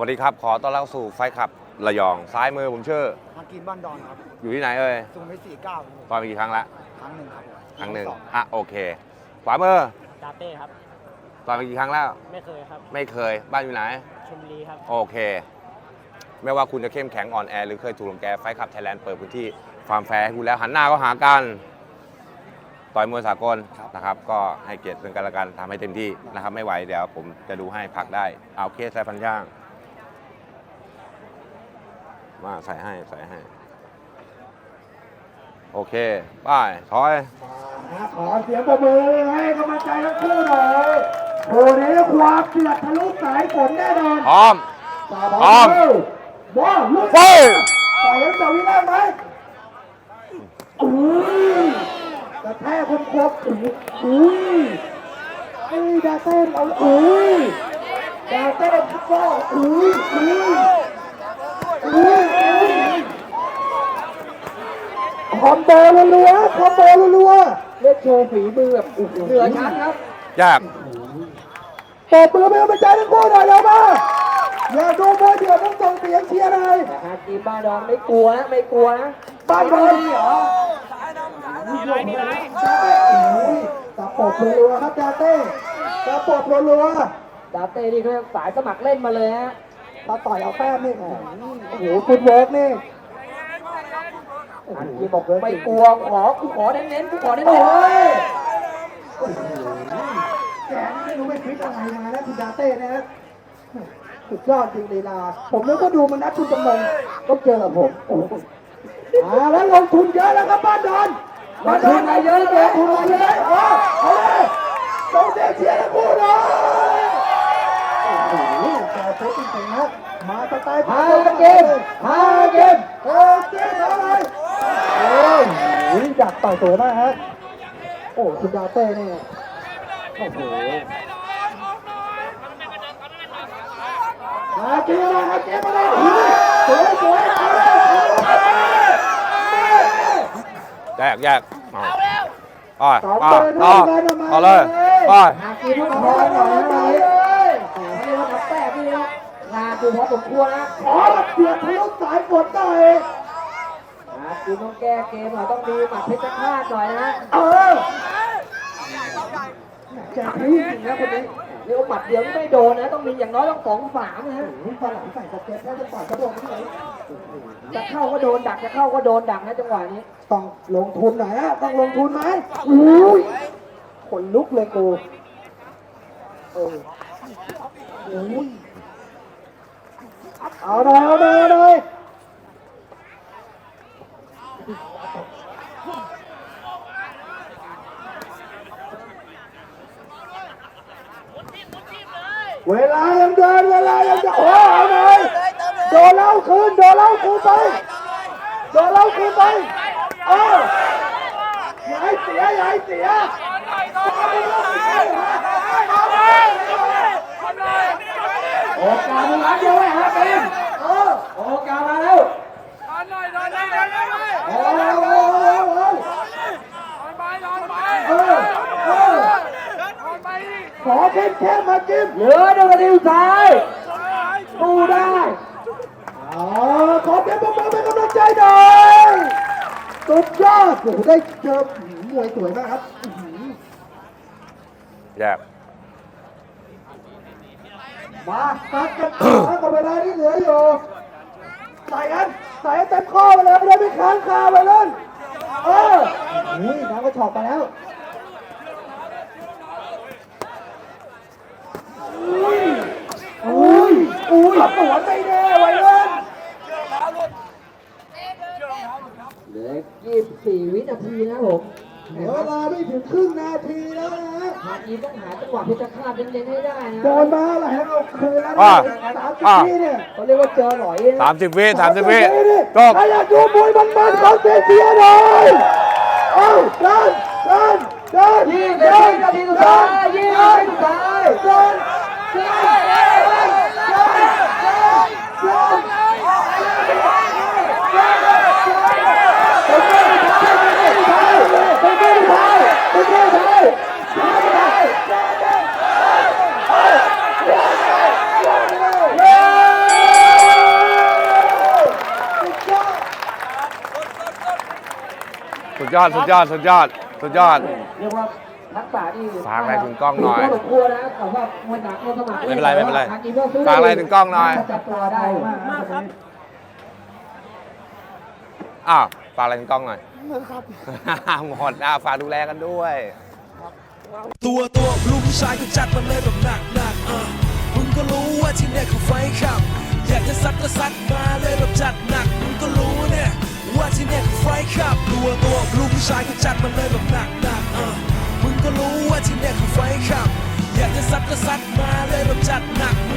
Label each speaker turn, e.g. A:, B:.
A: วัสดีครับขอต้อนรับสู่ไฟขับระยองซ้ายมือผมชื่อ
B: มากินบ้านดอนครับ
A: อยู่ที่ไหนเอ่ย
B: สุขุมวิท49
A: ต่อยมากี่ครั้งละ
B: ครั้งหนึ่งครับ
A: ครั้งหนึ่งโอเคขวามือ
C: ดาเต้ครับ
A: ต่อยมากี่ครั้งแล้ว
C: ไม่เคยครับ
A: ไม่เคยบ้านอยู่ไหน
C: ชลบุรีครับ
A: โอเคไม่ว่าคุณจะเข้มแข็งอ่อนแอหรือเคยถูกรังแกไฟขับไทยแลนด์เปิดพื้นที่ฟาร์มแฟร์ให้คุณแล้วหันหน้าก็หากันต่อยมวยสากลนะครับก็ให้เกียรติซึ่งกันและกันทำให้เต็มที่นะครับไม่ไหวเดี๋ยวผมจะดูให้พักได้เอาเคสใส่ฟันย่างมาใส่ให้โอเคป้ายถอย
B: ขอเสียงปรบมือให้กำลังใจทั้งคู่หน่อยโอ้โหความเดือดทะลุสายฝนแน่นอน
A: พร้อม
B: ว้าวลุก
A: ไป
B: ต่อยกันจะวิลาไหมกระแทกคนครบดาเต้นเอาดาเต้นก็คอมโบรัวเล่นโชว์ฝีมือแบบเหนือชั้นครับ
A: ยาก
B: ตบมือเป็นกำลังใจทั้งคู่หน่อยเร็วมาอย่าดูมวยเดือดต้องส่งเสียงเชียร์เลย
C: ทีมบ้านดอนไม่กลัวนะ
B: บ้านดอนเหรอตะปบรัวครับดาเต้ตะปบรัว
C: ดาเต้นี่เขาสายสมัครเล่นมาเลยฮะ
B: ตาต่อยเอาแป้มนี่โอ้โหฟุตเวิร์กนี่
C: ทีบอกไม่กลัวขอเน้น
B: โอ้ยแกไม่รู้ไม่คิดอะไรมาแล้วคุณดาเต้นะสุดยอดจริงลีลาผมนึกว่าดูมันนัดคุณจำนงต้องเจอกับผมแล้วลงทุนเยอะแล้วครับบ้านดอน
C: มาทุนมาเยอะเลย
B: ทุนมาเยอะเอาเลยต้องเชียร์ทั้งคู่เลยโอ้โหแกโคตรจริงๆนะมาสไตล์
C: ฮาเกม
B: อะไรโอ้ยดักต่อยตัวมากฮะโอ้คุณดาเต้เนี่ยโอ้โหเกมมาสวย
A: แยกต่อเลย
C: กินทุกคนหน่อยให้ว่าทำแป้พี่นะนาดูพอสมควรนะ
B: ขอเดือดทะลุสายฝนหน่อย
C: กินต้องแก้เกมหน่อยต้องมีหมัดเพชรฆาตหน่อยนะ
B: แกพี่จริงนะคนนี้
C: เรียกว่าหมัดเดียวไม่โดนนะต้องมีอย่างน้อยต้อง2-3นะฮะ
B: ฝรั่งใส่สเก็ตแล้วจะต่อยกระโดดที่ไหน
C: จะเข้าก็โดนดักจะเข้าก็โดนดักนะจังหวะนี้
B: ต้องลงทุนหน่อยนะต้องลงทุนไหมอุ้ยขนลุกเลยกูเอาเลยเวลายังเดินโอ้เอาเลยโดนเล่าคืนไปอย่าให้เสีย
C: โอกาสมันรับเยอะเลยฮะเกมโอกาสมาแล้ว
B: ขอเข้มมาจิ้ม
C: เหลือ1 นาทีสุดท้ายดูได้
B: ขอเข้มมาเป็นกำลังใจหน่อยสุดยอดโอ้โหได้เจอมวยสวยมากครับ
A: แยก
B: มาตัดกันกับเวลาที่เหลืออยู่ใส่เต็มข้อไปเลยไม่ค้างคาไปเลยนี่น้องก็ฉอกไปแล้วอุ้ยตัวไม่แน่ไว้เลย
C: เหลือ24 วินาทีนะผม
B: เวลาไม่ถึงครึ่งนาทีแล้วนะ
C: ทีต้องหาจังหวะเพชรฆาตเน้นให้ได้นะ
B: โดนมาอะไรให้เราคืนแล้ว30 วิเนี่ย
C: เขาเรียกว่าเจอหน่อย
A: 30 วิ
B: จบใครอยากดูมวยมันขอเสียหน่อยเดิน
C: 20 นาทีสุดท้าย20 นาทีสุดท้าย
A: สุดยอดสุดยอดสุดยอดสุดยอด
C: เรียกว่าทักษะนี่
A: ฝากอะไรถึงกล้องหน่อย
C: พอสมควรนะแต่ว่ามวยหนักมวยสมัคร
A: ไม่เป็นไรไม่เป็นไร
C: ทางอีเมลซื้
A: ฝากอะไรถึงกล้องหน่อย
C: จับตัวได้มากครับ
A: อ้าวฝากอะไรถึงกล้องหน่อยหมดฝากดูแลกันด้วย
D: ตัวลูกผู้ชายก็จัดมันเลยแบบหนักมึงก็รู้ว่าที่เนี่ยคือไฟขับ อยากจะซัดก็ซัดมาเลยแบบจัดหนักมึงก็รู้เนี่ยว่าที่เนี่ยคือไฟขับตัวลูกผู้ชายก็จัดมันเลยแบบหนักมึงก็รู้ว่าที่เนี่ยคือไฟขับ อยากจะซัดก็ซัดมาเลยแบบจัดหนัก